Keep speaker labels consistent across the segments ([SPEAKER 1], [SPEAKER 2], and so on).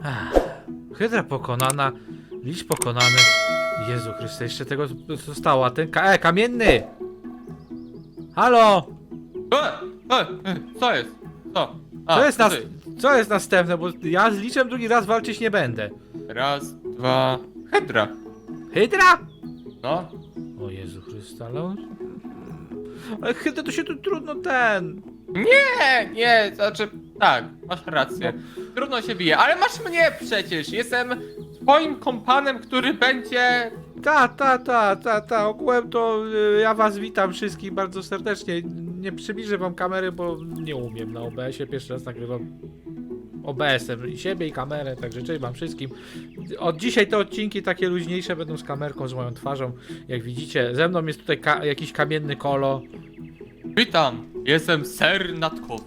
[SPEAKER 1] Hydra pokonana, licz pokonany. Jezu Chryste, jeszcze tego zostało, a ten kamienny! Halo!
[SPEAKER 2] Co jest? Co?
[SPEAKER 1] Co jest następne, bo ja z liczem drugi raz walczyć nie będę.
[SPEAKER 2] Raz, dwa... Hydra!
[SPEAKER 1] Hydra?
[SPEAKER 2] No.
[SPEAKER 1] O Jezu Chryste, ale Hydra to się tu trudno
[SPEAKER 2] Nie, znaczy... Tak, masz rację. Trudno się bije, ale masz mnie przecież! Jestem twoim kompanem, który będzie...
[SPEAKER 1] Ogółem to ja was witam wszystkich bardzo serdecznie. Nie przybliżę wam kamery, bo nie umiem na OBS-ie. Pierwszy raz nagrywam OBS-em i siebie i kamerę, także cześć wam wszystkim. Od dzisiaj te odcinki takie luźniejsze będą z kamerką, z moją twarzą. Jak widzicie, ze mną jest tutaj jakiś kamienny kolo.
[SPEAKER 2] Witam, jestem ser natkowy.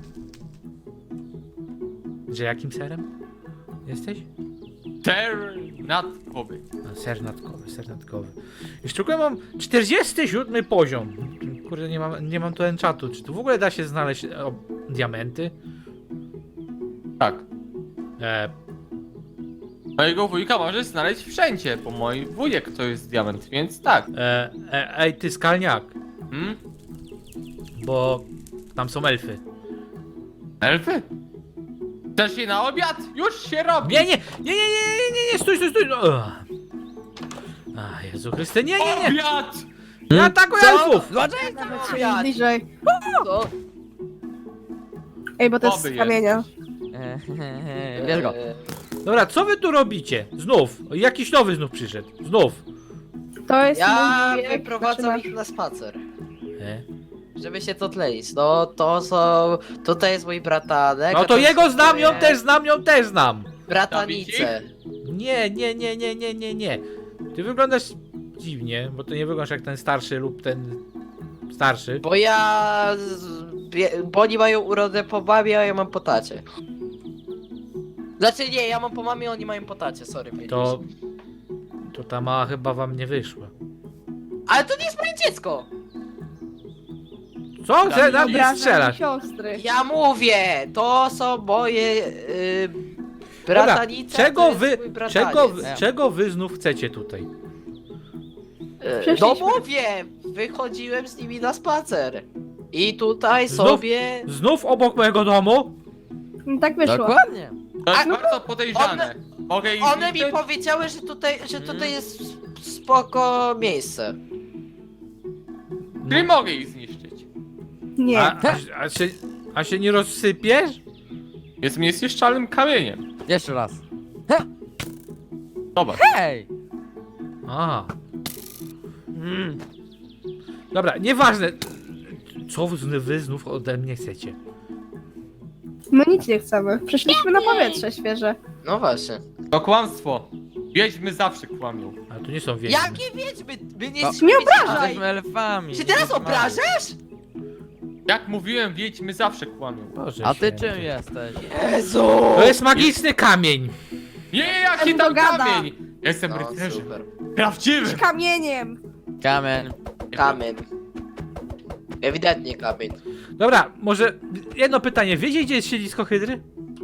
[SPEAKER 1] Że jakim serem jesteś?
[SPEAKER 2] Ser natkowy.
[SPEAKER 1] A, ser natkowy. Jeszcze tylko mam 47 poziom. Kurde, nie mam tu enchatu. Czy tu w ogóle da się znaleźć diamenty?
[SPEAKER 2] Tak.
[SPEAKER 1] E,
[SPEAKER 2] Mojego wujka możesz znaleźć wszędzie, bo mój wujek to jest diament, więc tak.
[SPEAKER 1] ej, ty skalniak,
[SPEAKER 2] Hmm?
[SPEAKER 1] bo tam są elfy.
[SPEAKER 2] Elfy? Chcesz je na obiad? Już się robi!
[SPEAKER 1] Nie, stój. No. A, Jezu Chryste, nie.
[SPEAKER 2] Obiad!
[SPEAKER 1] Nie atakuj elfów!
[SPEAKER 3] Nawet się jest bliżej. Ej, bo to jest
[SPEAKER 2] Oby
[SPEAKER 3] z kamienia.
[SPEAKER 4] Bierz go.
[SPEAKER 1] Dobra, co wy tu robicie? Znów, jakiś nowy znów przyszedł. Znów.
[SPEAKER 3] To jest
[SPEAKER 4] Ja
[SPEAKER 3] mój wujek,
[SPEAKER 4] wyprowadzam
[SPEAKER 3] zaczyna-
[SPEAKER 4] ich na spacer,
[SPEAKER 1] E?
[SPEAKER 4] żeby się to tleić. No to są... Tutaj jest mój bratanek.
[SPEAKER 1] No
[SPEAKER 4] a
[SPEAKER 1] to jego
[SPEAKER 4] jest
[SPEAKER 1] znam,
[SPEAKER 4] moje
[SPEAKER 1] ją też znam.
[SPEAKER 4] Bratanice.
[SPEAKER 1] Nie. Ty wyglądasz dziwnie, bo ty nie wyglądasz jak ten starszy lub ten starszy.
[SPEAKER 4] Bo ja... Bo oni mają urodę po babie, a ja mam po tacie. Znaczy nie, ja mam po mamie, oni mają po tacie, sorry.
[SPEAKER 1] To ta mała chyba wam nie wyszła.
[SPEAKER 4] Ale to nie jest moje dziecko!
[SPEAKER 1] Co? Że na mnie
[SPEAKER 3] Obrażam
[SPEAKER 1] strzelasz?
[SPEAKER 3] siostry.
[SPEAKER 4] Ja mówię, to są moje... bratanice,
[SPEAKER 1] Czego
[SPEAKER 4] to jest
[SPEAKER 1] wy,
[SPEAKER 4] mój brataniec.
[SPEAKER 1] czego wy znów chcecie tutaj?
[SPEAKER 4] No
[SPEAKER 3] Przeszliśmy.
[SPEAKER 4] mówię, wychodziłem z nimi na spacer. I tutaj
[SPEAKER 1] Znów?
[SPEAKER 4] sobie...
[SPEAKER 1] Znów obok mojego domu?
[SPEAKER 3] No tak wyszło.
[SPEAKER 4] Dokładnie.
[SPEAKER 2] To jest
[SPEAKER 4] A,
[SPEAKER 2] bardzo podejrzane. Mogę ich
[SPEAKER 4] One mi
[SPEAKER 2] zniszczyć?
[SPEAKER 4] powiedziały, że tutaj jest spoko miejsce.
[SPEAKER 2] Czyli mogę ich zniszczyć.
[SPEAKER 3] Nie.
[SPEAKER 1] A się nie rozsypiesz?
[SPEAKER 2] Jest niezniszczalnym kamieniem.
[SPEAKER 5] Jeszcze raz.
[SPEAKER 2] Zobacz.
[SPEAKER 5] Hej!
[SPEAKER 1] A. Dobra, nieważne. Co wy znów ode mnie chcecie?
[SPEAKER 3] My nic nie chcemy. Przeszliśmy na powietrze świeże.
[SPEAKER 4] No właśnie.
[SPEAKER 2] To kłamstwo. Wiedźmy zawsze kłamią.
[SPEAKER 1] Ale to nie są wiedźmy.
[SPEAKER 4] Jakie wiedźmy? My nie
[SPEAKER 5] No,
[SPEAKER 4] jesteśmy
[SPEAKER 3] nie
[SPEAKER 4] wiedźmami.
[SPEAKER 3] obrażaj!
[SPEAKER 5] Jesteśmy elfami.
[SPEAKER 4] Czy teraz
[SPEAKER 5] Wiedźmami.
[SPEAKER 4] obrażasz?
[SPEAKER 2] Jak mówiłem, wiedźmy zawsze kłamią.
[SPEAKER 1] Boże
[SPEAKER 5] A ty
[SPEAKER 1] święty.
[SPEAKER 5] czym jesteś?
[SPEAKER 4] Jezu!
[SPEAKER 1] To jest magiczny kamień.
[SPEAKER 2] Nie, jaki
[SPEAKER 3] On
[SPEAKER 2] tam
[SPEAKER 3] to gada.
[SPEAKER 2] kamień! Jestem
[SPEAKER 4] No,
[SPEAKER 2] rycerzem.
[SPEAKER 4] super.
[SPEAKER 2] Prawdziwym!
[SPEAKER 3] Kamieniem.
[SPEAKER 5] Kamień.
[SPEAKER 4] Kamień. Ewidentnie kamień.
[SPEAKER 1] Dobra, może jedno pytanie. Wiecie, gdzie jest siedlisko Hydry?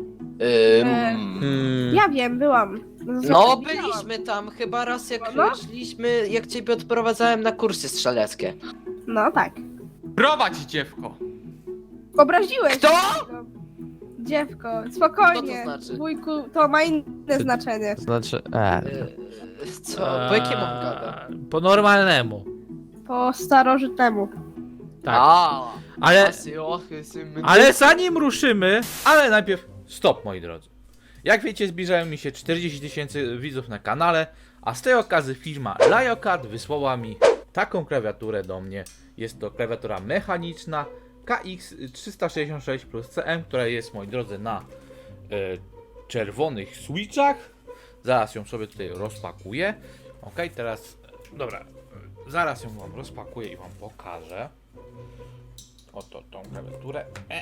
[SPEAKER 3] Ja wiem, byłam.
[SPEAKER 4] No
[SPEAKER 3] Widziałam.
[SPEAKER 4] byliśmy tam chyba raz jak
[SPEAKER 3] No.
[SPEAKER 4] szliśmy, jak ciebie odprowadzałem na kursy strzeleckie.
[SPEAKER 3] No tak.
[SPEAKER 2] Prowadź dziewko!
[SPEAKER 3] Obraziłeś.
[SPEAKER 4] Kto?
[SPEAKER 3] Dziewko, spokojnie.
[SPEAKER 4] Co to znaczy?
[SPEAKER 3] Wujku, to ma inne znaczenie.
[SPEAKER 5] To znaczy...
[SPEAKER 4] Co? Po jakiemu gada?
[SPEAKER 1] Po normalnemu.
[SPEAKER 3] Po starożytnemu.
[SPEAKER 1] Tak.
[SPEAKER 4] A,
[SPEAKER 1] Ale,
[SPEAKER 4] ale...
[SPEAKER 1] ale zanim ruszymy, ale najpierw stop, moi drodzy. Jak wiecie, zbliżają mi się 40 000 widzów na kanale, a z tej okazji firma Liokat wysłała mi taką klawiaturę do mnie. Jest to klawiatura mechaniczna KX366 plus CM, która jest, moi drodzy, na czerwonych switchach. Zaraz ją sobie tutaj rozpakuję. Ok, teraz, dobra, zaraz ją wam rozpakuję i wam pokażę. Oto tą klawiaturę.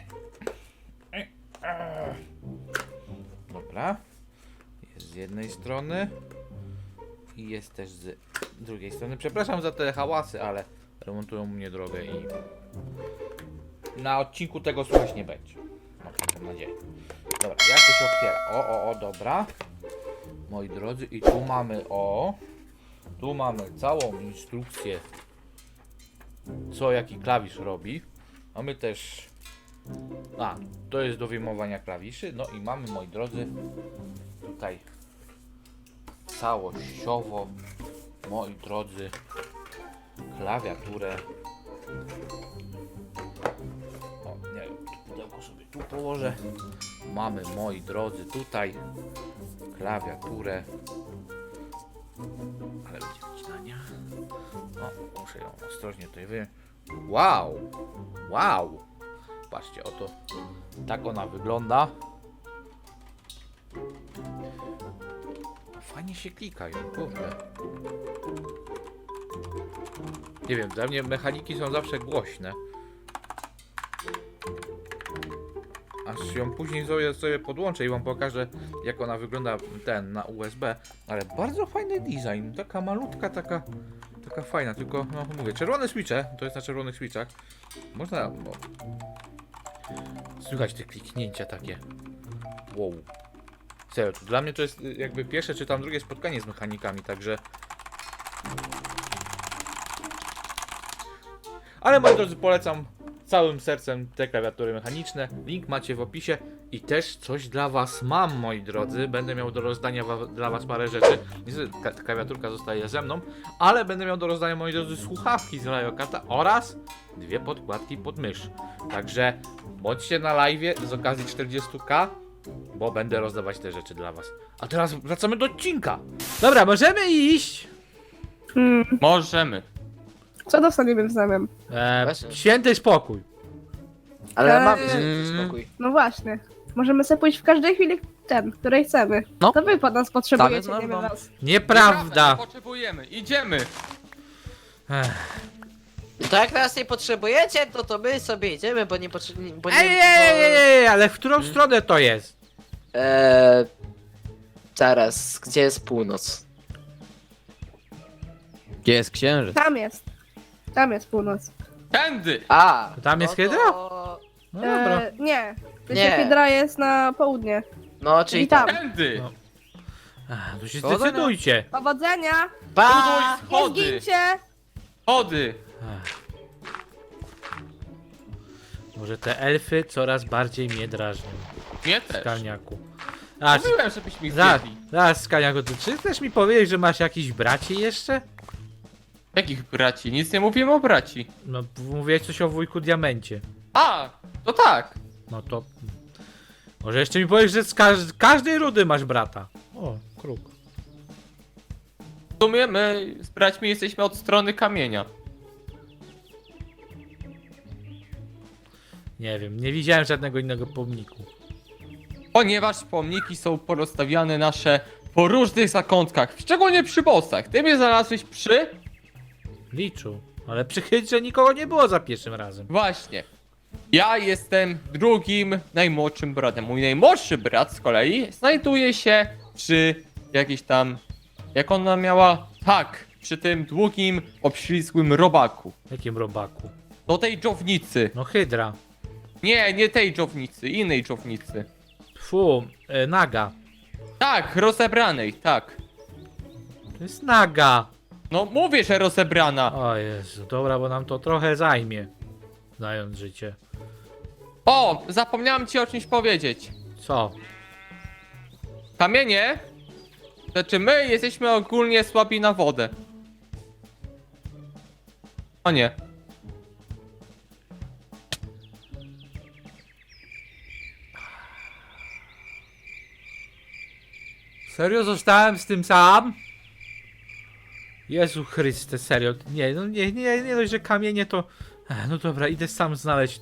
[SPEAKER 1] Dobra. Jest z jednej strony. I jest też z drugiej strony. Przepraszam za te hałasy, ale remontują mnie drogę i na odcinku tego słuchać nie będzie. Mam taką nadzieję. Dobra, jak to się otwiera? O, dobra. Moi drodzy, i tu mamy, tu mamy całą instrukcję, co jaki klawisz robi. Mamy też, to jest do wyjmowania klawiszy. No i mamy, moi drodzy, tutaj całościowo, moi drodzy, klawiaturę. Nie wiem, pudełko sobie tu położę. Mamy, moi drodzy, tutaj klawiaturę. Ale będzie wycinania. Muszę ją ostrożnie tutaj wyjąć. Wow! Patrzcie, oto tak ona wygląda. Fajnie się klika ją, kurde. Nie wiem, dla mnie mechaniki są zawsze głośne. Aż ją później sobie podłączę i wam pokażę, jak ona wygląda na USB. Ale bardzo fajny design, taka malutka, taka fajna, tylko no mówię, czerwone switche, to jest na czerwonych switchach. Można, słychać te kliknięcia takie. Wow. Serio, dla mnie to jest jakby pierwsze czy tam drugie spotkanie z mechanikami, także... Ale moi drodzy, polecam całym sercem te klawiatury mechaniczne. Link macie w opisie. I też coś dla was mam, moi drodzy. Będę miał do rozdania dla was parę rzeczy. Niestety klawiaturka zostaje ze mną, ale będę miał do rozdania, moi drodzy, słuchawki z Lajokata oraz 2 podkładki pod mysz. Także bądźcie na live z okazji 40k, bo będę rozdawać te rzeczy dla was. A teraz wracamy do odcinka. Dobra, możemy iść.
[SPEAKER 2] Możemy.
[SPEAKER 3] Co dostaniemy w zamian?
[SPEAKER 1] Święty spokój.
[SPEAKER 4] Ale
[SPEAKER 3] Eee.
[SPEAKER 4] mamy spokój.
[SPEAKER 3] No właśnie. Możemy sobie pójść w każdej chwili której chcemy.
[SPEAKER 4] No.
[SPEAKER 3] To wy pod nas potrzebujecie,
[SPEAKER 4] Same
[SPEAKER 3] nie
[SPEAKER 4] no.
[SPEAKER 3] my was.
[SPEAKER 1] Nieprawda.
[SPEAKER 2] Potrzebujemy, idziemy.
[SPEAKER 4] To jak nas nie potrzebujecie, to my sobie idziemy, bo nie potrzebujemy.
[SPEAKER 1] Ej, ale w którą stronę to jest?
[SPEAKER 4] Zaraz, gdzie jest północ?
[SPEAKER 5] Gdzie jest księżyc?
[SPEAKER 3] Tam jest. Tam jest północ.
[SPEAKER 2] Tędy.
[SPEAKER 4] A!
[SPEAKER 1] To tam jest
[SPEAKER 4] no
[SPEAKER 1] hydra?
[SPEAKER 4] to-
[SPEAKER 1] No dobra.
[SPEAKER 3] Nie.
[SPEAKER 4] Nie.
[SPEAKER 3] Hydra jest na południe.
[SPEAKER 4] No, czyli
[SPEAKER 3] I tam.
[SPEAKER 2] Tędy.
[SPEAKER 1] No. To się
[SPEAKER 5] Powodzenia.
[SPEAKER 1] zdecydujcie.
[SPEAKER 3] Powodzenia!
[SPEAKER 4] Pa!
[SPEAKER 3] Nie
[SPEAKER 2] Schody.
[SPEAKER 3] zgincie!
[SPEAKER 2] Chody.
[SPEAKER 1] Może te elfy coraz bardziej mnie drażnią.
[SPEAKER 2] Mnie też.
[SPEAKER 1] Skaniaku.
[SPEAKER 2] Mówiłem, żebyś mi
[SPEAKER 1] Zaraz,
[SPEAKER 2] zjedli.
[SPEAKER 1] Skaniaku, czy chcesz mi powiedzieć, że masz jakichś braci jeszcze?
[SPEAKER 2] Jakich braci? Nic nie mówiłem o braci.
[SPEAKER 1] No, mówiłeś coś o wujku Diamencie.
[SPEAKER 2] A, to tak.
[SPEAKER 1] No to... Może jeszcze mi powiesz, że z każdej rudy masz brata. O, kruk.
[SPEAKER 2] W sumie my z braćmi jesteśmy od strony kamienia.
[SPEAKER 1] Nie wiem, nie widziałem żadnego innego pomniku.
[SPEAKER 2] Ponieważ pomniki są porozstawiane nasze po różnych zakątkach, szczególnie przy bossach. Ty mnie znalazłeś przy...
[SPEAKER 1] Liczu. Ale przychyć, że nikogo nie było za pierwszym razem.
[SPEAKER 2] Właśnie. Ja jestem drugim najmłodszym bratem. Mój najmłodszy brat z kolei znajduje się przy jakiejś tam... Jak ona miała? Tak, przy tym długim, obślizgłym robaku.
[SPEAKER 1] Jakim robaku?
[SPEAKER 2] Do tej dżownicy.
[SPEAKER 1] No hydra.
[SPEAKER 2] Nie tej dżownicy, innej dżownicy.
[SPEAKER 1] Fu, naga.
[SPEAKER 2] Tak, rozebranej, tak.
[SPEAKER 1] To jest naga.
[SPEAKER 2] No mówię, że rozebrana.
[SPEAKER 1] O Jezu, dobra, bo nam to trochę zajmie. Znając życie.
[SPEAKER 2] O, zapomniałem ci o czymś powiedzieć.
[SPEAKER 1] Co?
[SPEAKER 2] Kamienie? Znaczy my jesteśmy ogólnie słabi na wodę. O nie.
[SPEAKER 1] Serio zostałem z tym sam? Jezu Chryste, serio. Nie, no nie dość, że kamienie to... No dobra, idę sam znaleźć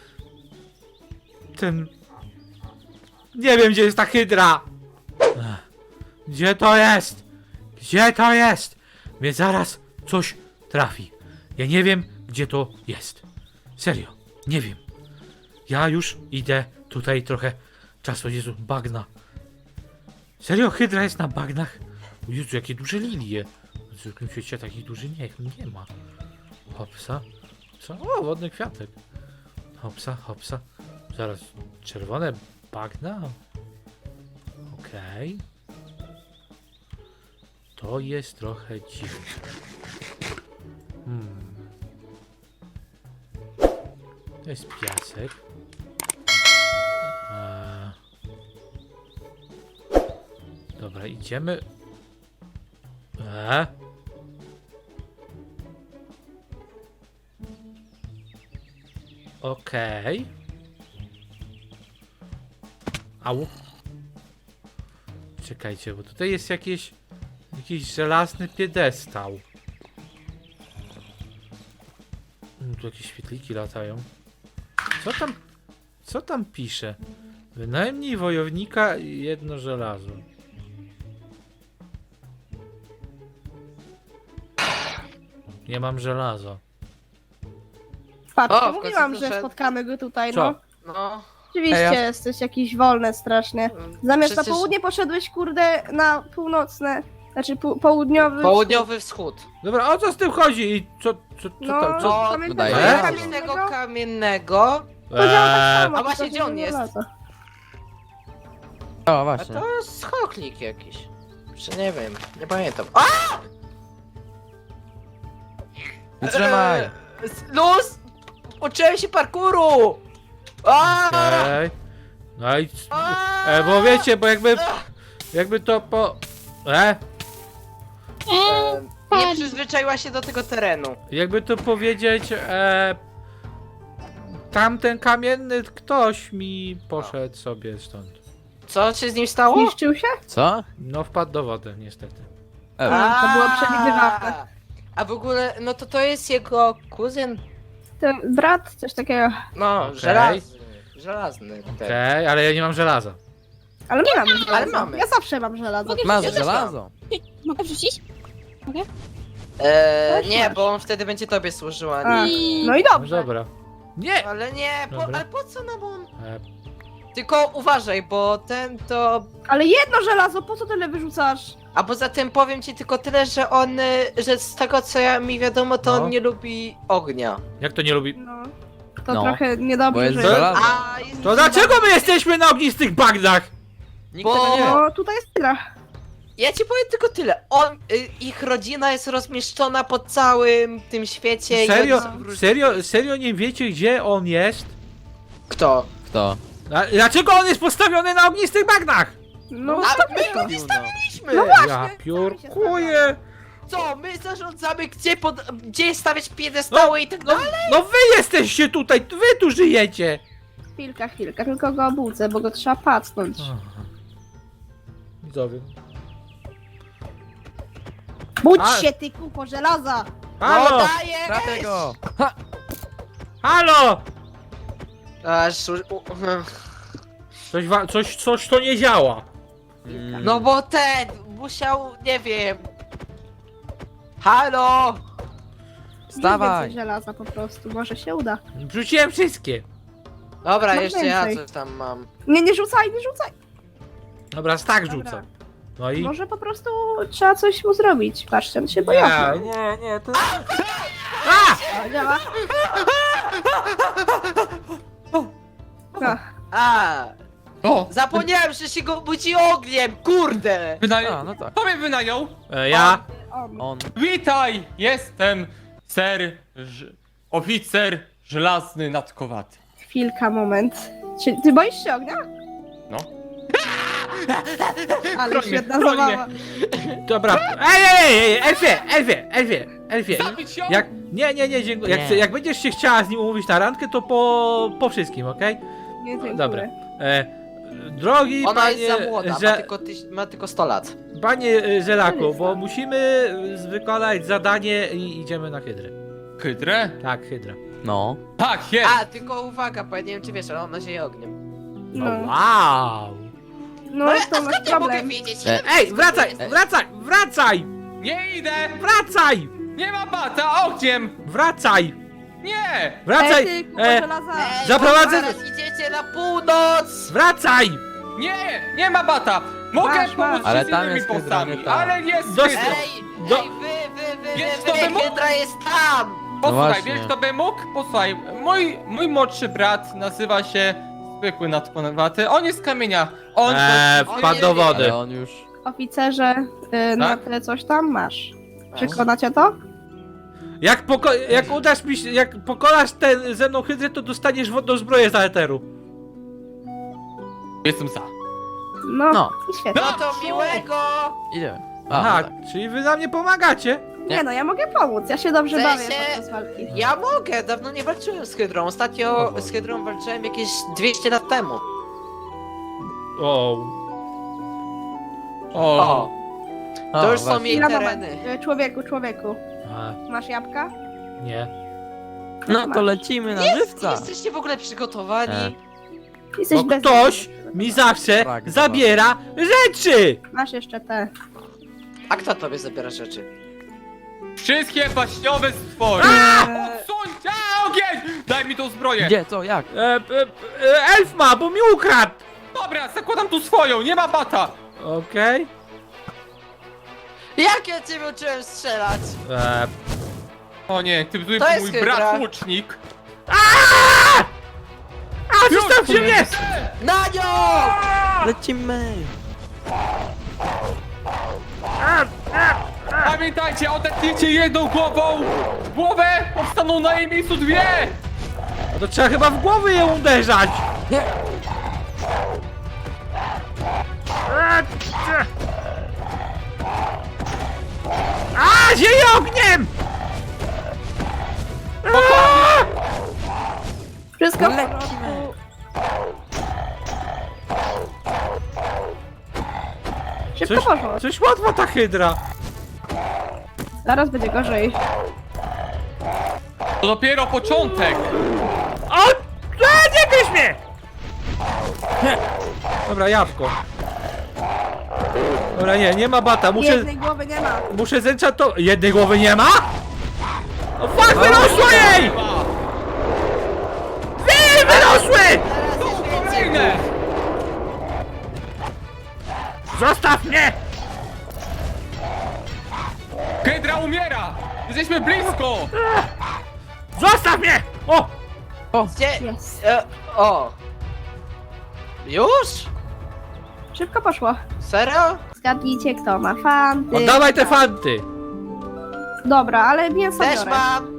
[SPEAKER 1] ten... Nie wiem, gdzie jest ta hydra! Gdzie to jest? Gdzie to jest? Mnie zaraz coś trafi. Ja nie wiem, gdzie to jest. Serio, nie wiem. Ja już idę tutaj trochę czasu. Jezu, bagna. Serio, hydra jest na bagnach? O Jezu, jakie duże lilie. W zwykłym świecie takich dużych nie ma. Hopsa. Co? O, wodny kwiatek. Hopsa, hopsa. Zaraz, czerwone bagna? Okej. To jest trochę dziwne. To jest piasek. Dobra, idziemy. Okej. Au. Czekajcie, bo tutaj jest jakiś żelazny piedestał. Tu jakieś świetliki latają. Co tam pisze? Wynajmniej wojownika i 1 żelazo. Nie mam żelaza.
[SPEAKER 3] Patrz,
[SPEAKER 4] O, w
[SPEAKER 3] mówiłam,
[SPEAKER 4] końcu
[SPEAKER 3] że
[SPEAKER 4] doszedł.
[SPEAKER 3] spotkamy go tutaj,
[SPEAKER 1] Co?
[SPEAKER 3] no.
[SPEAKER 4] No.
[SPEAKER 3] Oczywiście
[SPEAKER 1] Ej, ja-
[SPEAKER 3] jesteś jakiś wolny strasznie. Zamiast
[SPEAKER 4] Przecież
[SPEAKER 3] na południe poszedłeś, kurde, na północne, znaczy południowy.
[SPEAKER 4] Południowy wschód.
[SPEAKER 1] Dobra, o co z tym chodzi? I co
[SPEAKER 3] No,
[SPEAKER 1] tam?
[SPEAKER 4] co-
[SPEAKER 3] pamiętasz,
[SPEAKER 2] wydaje
[SPEAKER 3] że
[SPEAKER 2] się.
[SPEAKER 4] Kamiennego kamiennego.
[SPEAKER 3] Podział tak samo,
[SPEAKER 4] A właśnie,
[SPEAKER 3] tylko
[SPEAKER 4] gdzie on
[SPEAKER 3] że nie
[SPEAKER 4] jest?
[SPEAKER 3] żelazo.
[SPEAKER 2] O,
[SPEAKER 4] A
[SPEAKER 2] właśnie.
[SPEAKER 4] to jest schoklik jakiś. Czy nie wiem, nie pamiętam. A!
[SPEAKER 2] Wytrzymaj!
[SPEAKER 4] Luz! Uczyłem się parkouru! A!
[SPEAKER 1] Okej. No i... bo wiecie, bo jakby to po...
[SPEAKER 4] Nie przyzwyczaiła się do tego terenu.
[SPEAKER 1] Jakby to powiedzieć, tamten kamienny ktoś mi poszedł sobie stąd.
[SPEAKER 4] Co się z nim stało?
[SPEAKER 3] Zniszczył się?
[SPEAKER 2] Co?
[SPEAKER 1] No wpadł do wody, niestety.
[SPEAKER 3] To było przewidywalne.
[SPEAKER 4] A w ogóle, no to jest jego kuzyn?
[SPEAKER 3] Ten brat, coś takiego.
[SPEAKER 4] No,
[SPEAKER 1] Okej.
[SPEAKER 4] żelazny. Żelazny. ten.
[SPEAKER 1] Okej, ale ja nie mam żelaza.
[SPEAKER 3] Ale my mamy żelazo.
[SPEAKER 4] Ale mamy.
[SPEAKER 3] Ja zawsze mam żelazo.
[SPEAKER 2] Masz
[SPEAKER 4] Ja też
[SPEAKER 2] żelazo.
[SPEAKER 5] Mogę wrzucić?
[SPEAKER 4] Nie, bo on wtedy będzie tobie służył, a
[SPEAKER 3] A,
[SPEAKER 4] nie.
[SPEAKER 3] no i
[SPEAKER 1] No
[SPEAKER 3] dobrze.
[SPEAKER 1] dobra. Nie!
[SPEAKER 4] Ale nie,
[SPEAKER 1] Dobra.
[SPEAKER 4] ale po co nam on?
[SPEAKER 1] E,
[SPEAKER 4] Tylko uważaj, bo ten to...
[SPEAKER 3] Ale 1 żelazo, po co tyle wyrzucasz?
[SPEAKER 4] A poza tym powiem ci tylko tyle, że on, że z tego co mi wiadomo, to
[SPEAKER 1] No.
[SPEAKER 4] on nie lubi ognia.
[SPEAKER 1] jak to nie lubi?
[SPEAKER 3] No. To
[SPEAKER 2] No,
[SPEAKER 3] trochę
[SPEAKER 2] Bo
[SPEAKER 3] niedobrze,
[SPEAKER 2] jest
[SPEAKER 3] że...
[SPEAKER 2] żelazo.
[SPEAKER 4] A, jest
[SPEAKER 1] To dlaczego my jesteśmy na ognistych bagnach?
[SPEAKER 2] Nikt
[SPEAKER 4] Bo-
[SPEAKER 2] tego nie wie.
[SPEAKER 3] No, tutaj jest tyle.
[SPEAKER 4] Ja ci powiem tylko tyle. Ich rodzina jest rozmieszczona po całym tym świecie. i
[SPEAKER 1] Serio?
[SPEAKER 4] oni są w róż-
[SPEAKER 1] Serio nie wiecie, gdzie on jest?
[SPEAKER 4] Kto?
[SPEAKER 2] Kto?
[SPEAKER 1] Dlaczego on jest postawiony na ognistych bagnach?
[SPEAKER 3] No,
[SPEAKER 4] A
[SPEAKER 3] tak
[SPEAKER 4] my go nie
[SPEAKER 2] Piłno.
[SPEAKER 4] stawiliśmy!
[SPEAKER 3] No właśnie,
[SPEAKER 1] Ja
[SPEAKER 3] sami się
[SPEAKER 1] piórkuję!
[SPEAKER 4] Co? My zarządzamy, gdzie stawiać piedestały i tak dalej?
[SPEAKER 1] No wy jesteście tutaj, wy tu żyjecie!
[SPEAKER 3] Chwilka, tylko go obudzę, bo go trzeba pacnąć.
[SPEAKER 1] Widzowie.
[SPEAKER 3] Budź
[SPEAKER 1] A-
[SPEAKER 3] się, ty kupo żelaza!
[SPEAKER 1] Halo!
[SPEAKER 4] No daję!
[SPEAKER 2] Trafię go! Ha!
[SPEAKER 1] Halo!
[SPEAKER 4] Aż,
[SPEAKER 1] Coś to nie działa.
[SPEAKER 4] no bo ten musiał, nie wiem. Halo!
[SPEAKER 2] Wstawaj!
[SPEAKER 3] Więcej żelaza po prostu, może się uda.
[SPEAKER 1] Wrzuciłem wszystkie.
[SPEAKER 4] Dobra,
[SPEAKER 3] Mam
[SPEAKER 4] jeszcze ja
[SPEAKER 3] więcej.
[SPEAKER 4] coś tam mam.
[SPEAKER 3] Nie rzucaj!
[SPEAKER 1] Dobra, tak
[SPEAKER 3] Dobra.
[SPEAKER 1] rzucam. No i...
[SPEAKER 3] Może po prostu trzeba coś mu zrobić. Patrzcie, on się boi.
[SPEAKER 1] nie, to...
[SPEAKER 3] O, działa. No,
[SPEAKER 4] A,
[SPEAKER 2] O!
[SPEAKER 4] zapomniałem, że się go budzi ogniem, kurde!
[SPEAKER 2] A, no tak. Kto mnie wynajął?
[SPEAKER 1] Ja?
[SPEAKER 3] on.
[SPEAKER 2] Witaj! Jestem oficer żelazny nadkowaty.
[SPEAKER 3] Chwilka, moment. Czy ty boisz się ognia?
[SPEAKER 2] No.
[SPEAKER 3] Ale
[SPEAKER 2] Broń mnie,
[SPEAKER 3] świetna
[SPEAKER 2] broń
[SPEAKER 3] zabawa.
[SPEAKER 1] Dobra. Ej, Elfie!
[SPEAKER 2] Zabić ją!
[SPEAKER 1] Nie, dziękuję.
[SPEAKER 2] Nie.
[SPEAKER 1] Jak będziesz się chciała z nim umówić na randkę, to po wszystkim, okej?
[SPEAKER 3] Nie, dziękuję.
[SPEAKER 1] Dobra. Drogi
[SPEAKER 4] Ona
[SPEAKER 1] panie,
[SPEAKER 4] jest za młoda, ma tylko 100 lat.
[SPEAKER 1] panie Żelaku,
[SPEAKER 3] To jest
[SPEAKER 1] bo
[SPEAKER 3] tak.
[SPEAKER 1] musimy wykonać zadanie i idziemy na hydrę.
[SPEAKER 2] Hydrę?
[SPEAKER 1] Tak, hydra.
[SPEAKER 2] No. Tak, jest!
[SPEAKER 4] A, tylko uwaga, bo ja nie wiem czy wiesz, ale ona zieje ogniem.
[SPEAKER 3] No,
[SPEAKER 1] Wow!
[SPEAKER 3] no to masz
[SPEAKER 4] Ja mogę
[SPEAKER 3] problem.
[SPEAKER 4] wiedzieć.
[SPEAKER 1] Ej, wracaj!
[SPEAKER 2] Nie idę!
[SPEAKER 1] Wracaj!
[SPEAKER 2] Nie ma bata! Ogniem!
[SPEAKER 1] Wracaj!
[SPEAKER 2] Nie!
[SPEAKER 1] Wracaj!
[SPEAKER 3] Ty, kupo żelaza.
[SPEAKER 4] Ej,
[SPEAKER 1] Zaprowadzę-
[SPEAKER 4] Zaraz idziecie na północ!
[SPEAKER 1] Wracaj!
[SPEAKER 2] Nie! Nie ma bata! Mogę
[SPEAKER 3] Masz,
[SPEAKER 2] pomóc
[SPEAKER 3] masz.
[SPEAKER 2] ci
[SPEAKER 3] Ale
[SPEAKER 2] z
[SPEAKER 6] tam
[SPEAKER 2] innymi
[SPEAKER 6] jest hydra,
[SPEAKER 2] postami,
[SPEAKER 6] nie tam.
[SPEAKER 2] ale jest
[SPEAKER 1] Dość-
[SPEAKER 2] hydra!
[SPEAKER 4] Ej,
[SPEAKER 1] Do-
[SPEAKER 4] ej,
[SPEAKER 2] Wiesz,
[SPEAKER 4] wy,
[SPEAKER 2] co by mógł?
[SPEAKER 4] Hydra jest tam!
[SPEAKER 2] Posłuchaj,
[SPEAKER 6] właśnie.
[SPEAKER 2] wiesz kto by mógł? Posłuchaj, mój młodszy brat nazywa się zwykły nadpływaty. On jest z kamienia. On
[SPEAKER 1] Wpadł do wody.
[SPEAKER 5] Ale on już...
[SPEAKER 3] Oficerze, na
[SPEAKER 2] Tak?
[SPEAKER 3] tyle coś tam masz. Przekonacie to?
[SPEAKER 1] Jak udasz mi się, jak pokonasz tę ze mną hydrę, to dostaniesz wodną zbroję za eteru.
[SPEAKER 2] Jestem za.
[SPEAKER 3] No,
[SPEAKER 5] No.
[SPEAKER 3] i świetnie.
[SPEAKER 4] No to miłego!
[SPEAKER 5] Idziemy.
[SPEAKER 1] Aha,
[SPEAKER 5] tak.
[SPEAKER 1] czyli wy na mnie pomagacie?
[SPEAKER 3] Nie no, ja mogę pomóc, ja się dobrze
[SPEAKER 4] W
[SPEAKER 3] bawię
[SPEAKER 4] sensie-
[SPEAKER 3] podczas walki.
[SPEAKER 4] Ja mogę, dawno nie walczyłem z Hydrą. Ostatnio z Hydrą walczyłem jakieś 200 lat temu.
[SPEAKER 1] O.
[SPEAKER 4] O,
[SPEAKER 5] O,
[SPEAKER 4] to już są
[SPEAKER 5] właśnie.
[SPEAKER 4] jej
[SPEAKER 3] Na moment.
[SPEAKER 4] tereny.
[SPEAKER 3] Człowieku,
[SPEAKER 1] A,
[SPEAKER 3] masz jabłka?
[SPEAKER 1] nie.
[SPEAKER 5] No to lecimy na
[SPEAKER 4] Nie
[SPEAKER 5] żywca.
[SPEAKER 4] jesteście w ogóle przygotowani.
[SPEAKER 3] Jesteś
[SPEAKER 1] Bo ktoś mi zawsze
[SPEAKER 5] Tak,
[SPEAKER 1] zabiera rzeczy!
[SPEAKER 3] Masz jeszcze te.
[SPEAKER 4] A kto tobie zabiera rzeczy?
[SPEAKER 2] Wszystkie baśniowe stwory. Odsuńcie ogień! Daj mi tą zbroję.
[SPEAKER 5] Gdzie, co, jak?
[SPEAKER 1] Elf ma, bo mi ukradł!
[SPEAKER 2] Dobra, zakładam tu swoją, nie ma bata.
[SPEAKER 1] Okej.
[SPEAKER 4] Jak ja ciebie uczyłem strzelać?
[SPEAKER 2] O nie, ty tu
[SPEAKER 4] To jest
[SPEAKER 2] mój
[SPEAKER 4] hydra.
[SPEAKER 2] brat łucznik.
[SPEAKER 1] A, zostawcie mnie!
[SPEAKER 4] Na nią!
[SPEAKER 5] Lecimy!
[SPEAKER 2] Pamiętajcie, odetnijcie jedną głową. Głowę, powstaną na jej miejscu dwie.
[SPEAKER 1] No to trzeba chyba w głowy je uderzać!
[SPEAKER 5] Nie.
[SPEAKER 1] A, zieje ogniem!
[SPEAKER 3] Wszystko w
[SPEAKER 5] Lecimy.
[SPEAKER 3] porządku. Szybko
[SPEAKER 1] Coś,
[SPEAKER 3] poszło.
[SPEAKER 1] coś łatwa ta hydra.
[SPEAKER 3] Zaraz będzie gorzej.
[SPEAKER 2] To dopiero początek.
[SPEAKER 1] O! Nie gryź mnie! Dobra, jabłko. Dobra, nie ma bata,
[SPEAKER 3] Jednej głowy nie ma.
[SPEAKER 1] muszę zenchantować. Jednej głowy nie ma? O fuck, wyrosło jej! Wyrosły!
[SPEAKER 2] Kolejne.
[SPEAKER 1] Zostaw mnie!
[SPEAKER 2] Hydra umiera. Jesteśmy blisko.
[SPEAKER 1] Zostaw mnie! O!
[SPEAKER 4] Gdzie?
[SPEAKER 3] Jest.
[SPEAKER 4] O! Już?
[SPEAKER 3] Szybko poszło.
[SPEAKER 4] Serio?
[SPEAKER 3] Zgadnijcie kto ma fanty.
[SPEAKER 1] Oddawaj te fanty!
[SPEAKER 3] Dobra, ale mięso
[SPEAKER 4] Też
[SPEAKER 3] biorę.
[SPEAKER 4] mam!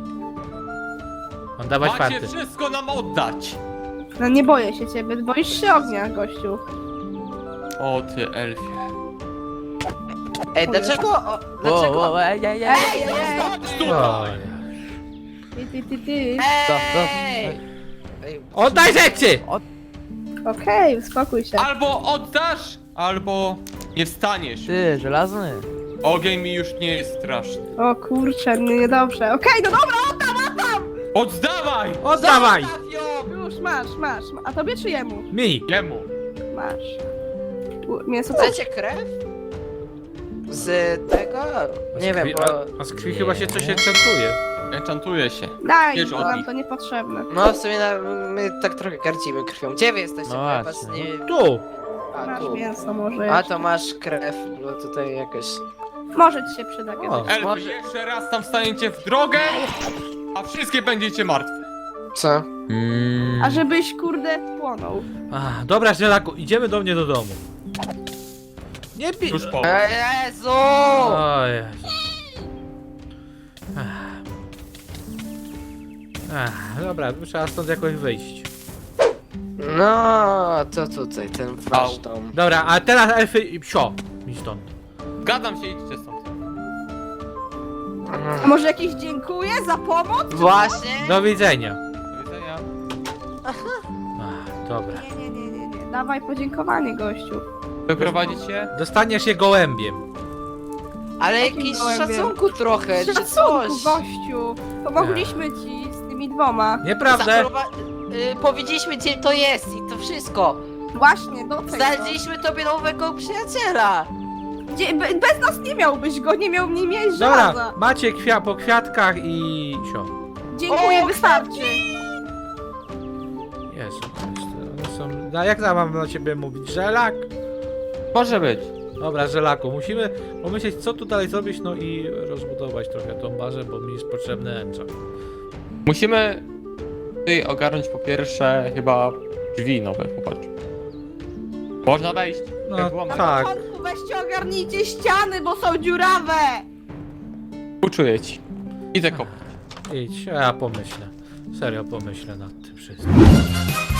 [SPEAKER 1] Oddawaj
[SPEAKER 2] Macie
[SPEAKER 1] fanty.
[SPEAKER 2] wszystko nam oddać.
[SPEAKER 3] No nie boję się ciebie, boisz się ognia, gościu.
[SPEAKER 2] O ty elfie.
[SPEAKER 4] Ej, dlaczego?
[SPEAKER 5] Wow,
[SPEAKER 4] Dlaczego?
[SPEAKER 5] wow, ej.
[SPEAKER 3] Ej,
[SPEAKER 2] Chodź tutaj.
[SPEAKER 3] ty.
[SPEAKER 4] Ej! Ej,
[SPEAKER 1] Oddaj rzeczy!
[SPEAKER 3] Okej, uspokój się.
[SPEAKER 2] Albo oddasz, albo nie wstaniesz.
[SPEAKER 5] Ty, żelazny.
[SPEAKER 2] Ogień mi już nie jest straszny.
[SPEAKER 3] O kurczę, niedobrze. Okej, no dobra,
[SPEAKER 2] Oddawaj!
[SPEAKER 1] Oddawaj!
[SPEAKER 4] Zostaw ją!
[SPEAKER 3] już masz. A tobie czy jemu?
[SPEAKER 1] Mi!
[SPEAKER 2] Jemu.
[SPEAKER 3] Masz. Mięso co?
[SPEAKER 4] Chcecie krew? Z tego? Nie wiem, bo...
[SPEAKER 1] A z krwi chyba się coś enchantuje.
[SPEAKER 2] Enchantuje się.
[SPEAKER 3] Daj,
[SPEAKER 2] Wiesz,
[SPEAKER 3] bo
[SPEAKER 2] od
[SPEAKER 3] nam
[SPEAKER 2] nich.
[SPEAKER 3] to niepotrzebne.
[SPEAKER 4] No w sumie my tak trochę garcimy krwią. Gdzie wy jesteście?
[SPEAKER 5] No
[SPEAKER 4] Bo ja was
[SPEAKER 5] właśnie.
[SPEAKER 4] nie...
[SPEAKER 1] Tu!
[SPEAKER 4] A,
[SPEAKER 3] Masz
[SPEAKER 4] tu.
[SPEAKER 3] mięso może
[SPEAKER 4] A
[SPEAKER 3] jeszcze.
[SPEAKER 4] to masz krew, bo tutaj jakoś...
[SPEAKER 3] Może ci się przyda kiedyś.
[SPEAKER 2] Elfy,
[SPEAKER 4] Może-
[SPEAKER 2] jeszcze raz tam staniecie w drogę, a wszystkie będziecie martwe.
[SPEAKER 4] Co?
[SPEAKER 3] A żebyś kurde płonął.
[SPEAKER 1] Ach, dobra, Żelaku, idziemy do mnie do domu. Nie pi...
[SPEAKER 2] Już po.
[SPEAKER 4] Jezu!
[SPEAKER 1] O Jezu. Dobra, trzeba stąd jakoś wyjść.
[SPEAKER 4] No, to tutaj, ten wasz dom.
[SPEAKER 1] Dobra, a teraz elfy i psio. Mi stąd.
[SPEAKER 2] Zgadzam się, idźcie stąd.
[SPEAKER 3] A może jakieś dziękuję za pomoc?
[SPEAKER 4] Właśnie?
[SPEAKER 1] Do widzenia.
[SPEAKER 2] Do widzenia.
[SPEAKER 1] Ach, dobra.
[SPEAKER 3] Nie. Dawaj podziękowanie, gościu.
[SPEAKER 2] Wyprowadzicie?
[SPEAKER 1] Dostaniesz je gołębiem.
[SPEAKER 4] Ale
[SPEAKER 3] Jakim
[SPEAKER 4] jakiś
[SPEAKER 3] gołębiem?
[SPEAKER 4] szacunku trochę, czy
[SPEAKER 3] Szacunku,
[SPEAKER 4] coś.
[SPEAKER 3] gościu. Pomogliśmy ci z tymi dwoma.
[SPEAKER 1] Nieprawda.
[SPEAKER 4] Powiedzieliśmy gdzie to jest i to wszystko.
[SPEAKER 3] Właśnie, do tego.
[SPEAKER 4] Znaleźliśmy tobie nowego przyjaciela.
[SPEAKER 3] Bez nas nie miałbyś go, nie miał nie mieć
[SPEAKER 1] Dobra,
[SPEAKER 3] żelaza.
[SPEAKER 1] macie po kwiatkach i sio.
[SPEAKER 3] Dziękuję,
[SPEAKER 4] O,
[SPEAKER 3] wystarczy.
[SPEAKER 1] Jezu, one są... No, jak mam na ciebie mówić? Żelak?
[SPEAKER 2] Może być.
[SPEAKER 1] Dobra, Żelaku, musimy pomyśleć, co tu dalej zrobić, no i rozbudować trochę tą bazę, bo mi jest potrzebny enchant.
[SPEAKER 2] Musimy tutaj ogarnąć po pierwsze chyba Drzwi nowe, popatrz. Można wejść.
[SPEAKER 1] No,
[SPEAKER 2] Jak włamać.
[SPEAKER 1] tak.
[SPEAKER 3] Na początku weźcie ogarnijcie ściany, bo są dziurawe!
[SPEAKER 2] Uczuję ci. Idę kopać.
[SPEAKER 1] Idź, a ja pomyślę. Serio pomyślę nad tym wszystkim.